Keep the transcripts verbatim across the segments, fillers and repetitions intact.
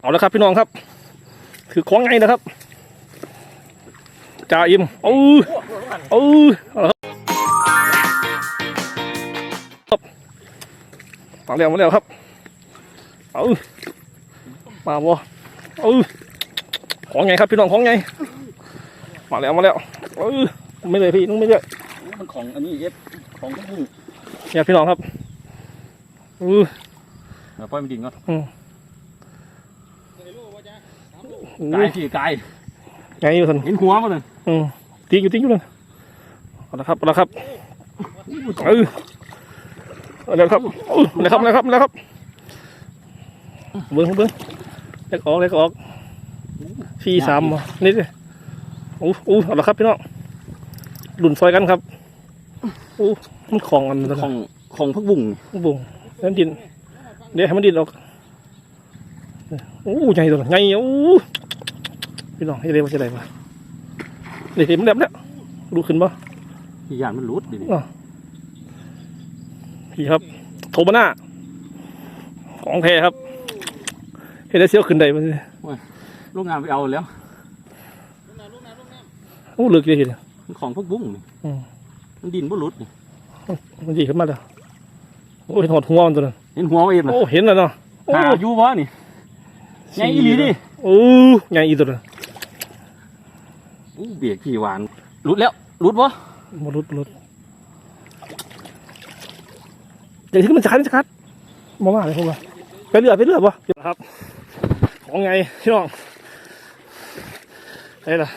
เอาละครับพี่น้องครับคือของไงนะครับจ่าอิมเออเออเอาละครับมาแล้วมาแล้วครับเออมาบ่เออของไงครับพี่น้องของไงมาแล้วมาแล้วเออไม่เลยพี่นุ่งไม่เลยมันของอันนี้เย็บของทุกผู้เนี่ยพี่น้องครับเออเดี๋ยวปล่อยมันดิ่งก่อนอืมกายที่กายไงอยู่ท่านเห็นหัวมันเลยอืมตีอยู่ตีอยู่เลยเอาละครับเอาละครับเออเอาละครับเออเอาละครับเอาละครับเอาละครับเบิ้งเบิ้งเล็กออกเล็กออกสี่สามนิดเลยโอ้โหเอาละครับพี่น้องหลุนซอยกันครับโอ้มันของอันนั้นของของพักบุ่งบุ่งนั่นดินเดี๋ยวให้มันดินออกโอ้ใหญ่ตัวใหญ่โอ้พี่น้องให้เร็วจะได้ปะเดี๋ยวมันแหลมแล้วดูขึ้นปะพี่ยานมันรุดดิพี่ครับโทมาน่าของแท้ครับเห็นได้เสี้ยวขึ้นได้มั้ยลูกงานไปเอาแล้วโอ้เลือกเลยเห็นของพักบุ้งมันดินบ่รุดนี่มันดีขึ้นมาแล้วโอ้เห็นหดหัวมันตัวนั้นเห็นหัวเองโอ้เห็นแล้วเนาะหาอยู่วะนี่ไงอีหลีดิโอ้ไงอีตัวนั้นอู้เบียร์ขี้หวานรุดแล้วรุดวะมารุดรุดเดี๋ยวที่มันจะคัดจะคัดมาว่าอะไรพวกมันไปเรื่อยไปเรื่อยปะครับของไงพี่น้องไอ้ล่ะ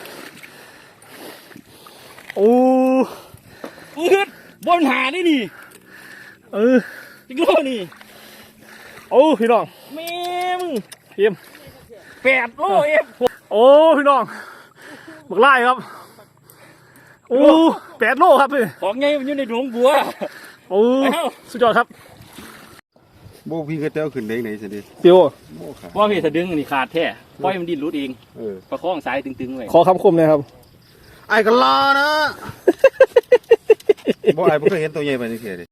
โอ้อึดบนหาได้นี่เออจิกโลนี่โอ้พี่น้องแม่มึงเทียมแปดโลเอฟโอ้พี่น้องบักไล่ครับโอ้แปดโลครับพี่ของไงมันอยู่ในหลวงบัวโอ้สุดยอดครับโบพี่ก็เต้าขึ้นได้ไหนสิเดีเปียวว่าพี่ถ้าดึงนี่ขาดแท้ปล่อยมันดิ้นรุดเองประคองสายตึงๆไว้ขอคำคมเลยครับไอ้กันล้อนะบ่ไอ้บ่เคยเห็นตัวใหญ่แบบนี้เสียดิ